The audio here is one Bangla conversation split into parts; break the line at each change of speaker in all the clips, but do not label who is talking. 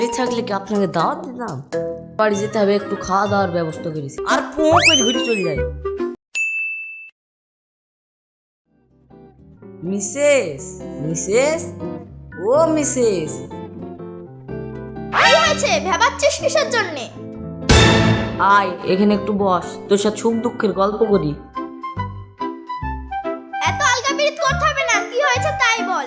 থাকলে কি আপনাকে দাওয়াত দিতাম? বাড়ি যেতে হবে, একটু খাওয়া দাওয়ার ব্যবস্থা করেছি, আর পো করে ঘুরে চলে যাই। মিসেস মিসেস ও মিসেস,
কি হয়েছে? ভেবাচ্ছিস কিসের জন্যে?
আয় এখানে একটু বস, তোর সাথে সুখ দুঃখের গল্প করি।
এত আলগা পিরিত করতে হবে না, কি হয়েছে তাই বল।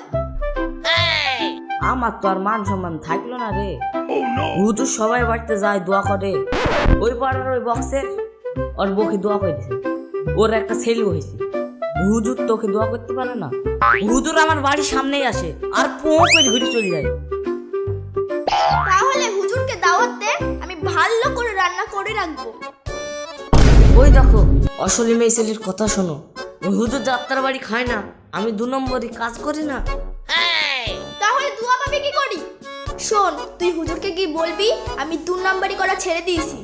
আমার তো আর মান সম্মান থাকলো না রে। হুজুর সবাই বাড়িতে যায়, দোয়া করে। ওই পাড়ার ওই বক্সের ওর বউকে দোয়া করে দিছে, ওর একটা ছেলে হয়েছে। হুজুর তোকে দোয়া করতে পারে না? হুজুর আমার বাড়ির সামনেই আসে, আর পো করে ঘুরে চলে যায়।
তাহলে হুজুরকে দাওয়াত দে, আমি ভালো করে রান্না করে রাখবো।
ওই দেখো অসলি মেয়ে ছেলের কথা শোনো। হুজুর যাত্রার বাড়ি খায় না, আমি 2 নম্বরই কাজ করি না।
তাহলে দুয়া পাবে কি করি? শোন, তুই হুজুরকে কি বলবি আমি 2 নাম্বারই করা ছেড়ে দিয়েছি।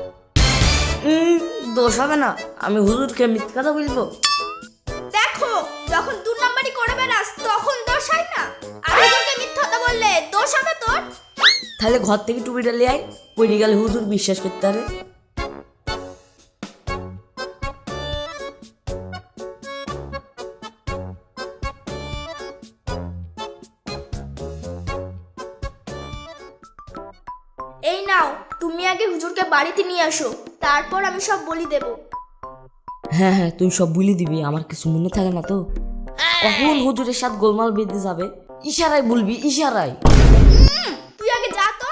দোষ হবে না, আমি হুজুরকে মিথ্যা কথা বলবো?
দেখো, যখন 2 নাম্বারই করে বেড়াস তখন দোষ হয় না, আর হুজুরকে মিথ্যা কথা বললে দোষ হবে তোর।
তাহলে ঘর থেকে টুপিটা নিয়ে আয়, পড়ে গেলে হুজুর বিশ্বাস করতে পারে।
এই নাও, তুমি আগে হুজুরকে বাড়িতে নিয়ে আসো, তারপর আমি সব বলি দেব।
হ্যাঁ হ্যাঁ, তুই সব বলে দিবি, আমার কিছু মনে থাকে না তো। কখন হুজুরের সাথে গোলমাল বেঁধে যাবে, ইশারায় বলবি, ইশারায়।
তুই আগে যা তো।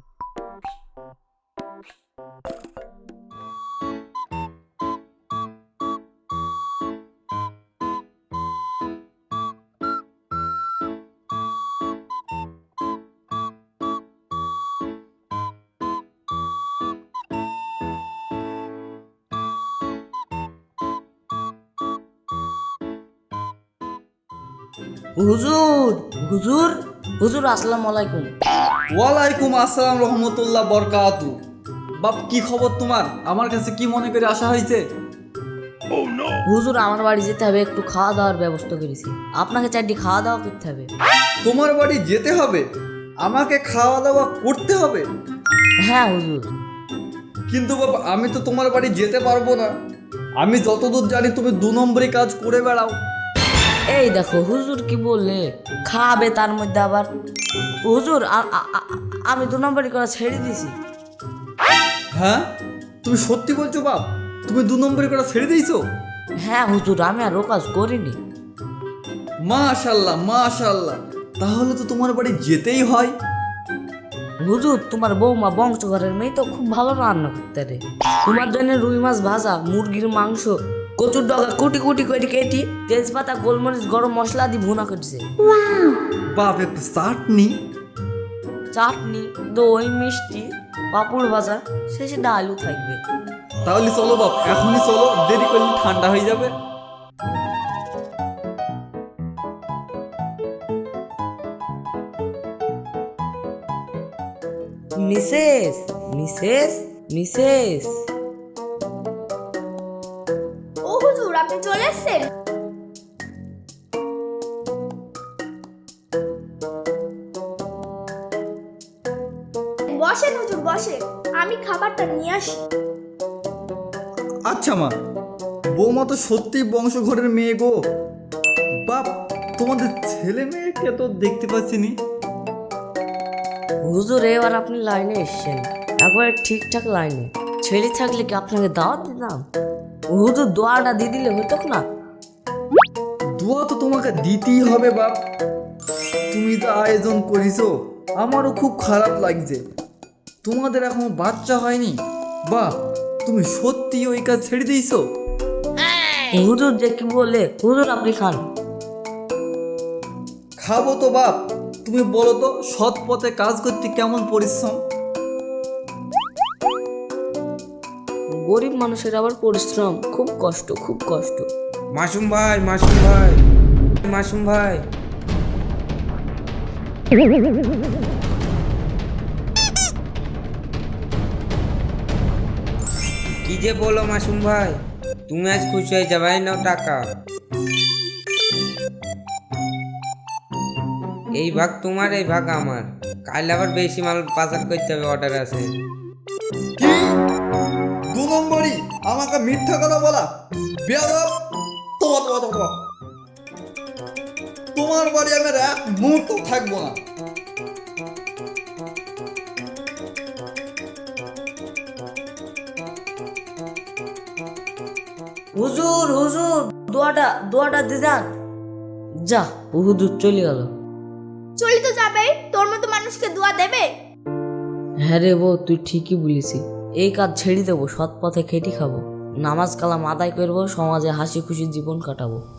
হুজুর হুজুর হুজুর, আসসালামু আলাইকুম।
ওয়ালাইকুম আসসালাম রহমতুল্লাহ বরকাতু। বাপ, কি খবর তোমার? আমার কাছে কি মনে করে আসা হয়েছে?
হুজুর আমার বাড়ি যেতে হবে, একটু খাওয়া দাওয়ার ব্যবস্থা করেছি, আপনাকে 4টি খাওয়া দাওয়া করতে হবে।
তোমার বাড়ি যেতে হবে? আমাকে খাওয়া দাওয়া করতে হবে?
হ্যাঁ হুজুর।
কিন্তু বাবা, আমি তো তোমার বাড়ি যেতে পারবো না। আমি যতদূর জানি তুমি 2 নম্বরই কাজ করে বেড়াও।
এই দেখো হুজুর কি বললে, খাবে তার মধ্যে আবার। হুজুর আমি 2 নম্বরই করা ছেড়ে দিয়েছি।
হ্যাঁ, তুমি সত্যি বলছো বাপ? তুমি 2 নম্বরই করা ছেড়ে দিয়েছো?
হ্যাঁ হুজুর, আমি আর ও কাজ করিনি।
মাশাল্লাহ মাশাল্লাহ, তাহলে তো তোমার বাড়ি যেতেই হয়।
হুজুর তোমার বৌমা বংশঘরের মেয়ে তো খুব ভালো রান্না করতে রে। তোমার জন্য রুই মাছ ভাজা, মুরগির মাংস, কচুর ডগা কুটি কুটি করে কেটে তেজপাতা গোলমরিচ গরম মশলা দিয়ে ভুনা করছে।
বাপ, একটু চাটনি।
চাটনি, দই, মিষ্টি, পাঁপড় ভাজা, শেষে ডালও থাকবে।
তাহলে চলো বাপ, এখনই চলো, দেরি করলে ঠান্ডা হয়ে যাবে।
মিসেস মিসেস মিসেস
ও হুজুর, আপনি চলে এসেছেন? বসেন হুজুর, বসেন, আমি খাবারটা নিয়ে আসি।
আচ্ছা মা, বৌমা তো সত্যি বংশঘরের মেয়ে গো। বাপ, তোমাদের ছেলে মেয়েকে তো দেখতে পাচ্ছি নি।
হুজুর এবার আপনি লাইনে এসছেন, একবারে ঠিকঠাক লাইনে। ছেলে থাকলে কি আপনাকে দাওয়াত দিতাম? হুজুর দোয়াটা দিয়ে দিলে হতো না?
দোয়া তো তোমাকে দিতেই হবে বাপ। তুমি তো আয়োজন করিছো, আমারও খুব খারাপ লাগছে। তোমাদের এখন বাচ্চা হয়নি। বাপ, তুমি সত্যি ওই কাজ ছেড়ে দিয়েছো?
হুজুর যে কি বলে, হুজুর আপনি খান।
খাবো তো বাপ। তুমি বলো তো, সৎ পথে কাজ করতে কেমন পরিশ্রম?
গরিব মানুষের আবার পরিশ্রম, খুব কষ্ট, খুব কষ্ট।
মাসুম ভাই, মাসুম ভাই, মাসুম ভাই। কি যে বলো মাসুম ভাই, তুমি আজ খুশি হয়ে যাবে, নাও টাকা। এই ভাগ তোমার, এই ভাগ আমার। কাল আবার বেশি মাল পাচার করতে হবে, অর্ডার আছে।
কি 2 নম্বরই আমাকে মিথ্যা কথা বলা? বেয়াদব! তোমার বাড়ি আমি আর এক মুহূর্ত থাকবো না।
হুজুর হুজুর, দোয়াটা দিয়ে যান। যা, হুজুর চলে গেল।
চলি তো যাবেই, তোর মতো মানুষকে দোয়া দেবে?
হ্যাঁ রে বউ, তুই ঠিকই বলেছিস। এই কাজ ছেড়ে দেবো, সৎ পথে খেটি খাবো, নামাজ কালাম আদায় করবো, সমাজে হাসি খুশি জীবন কাটাবো।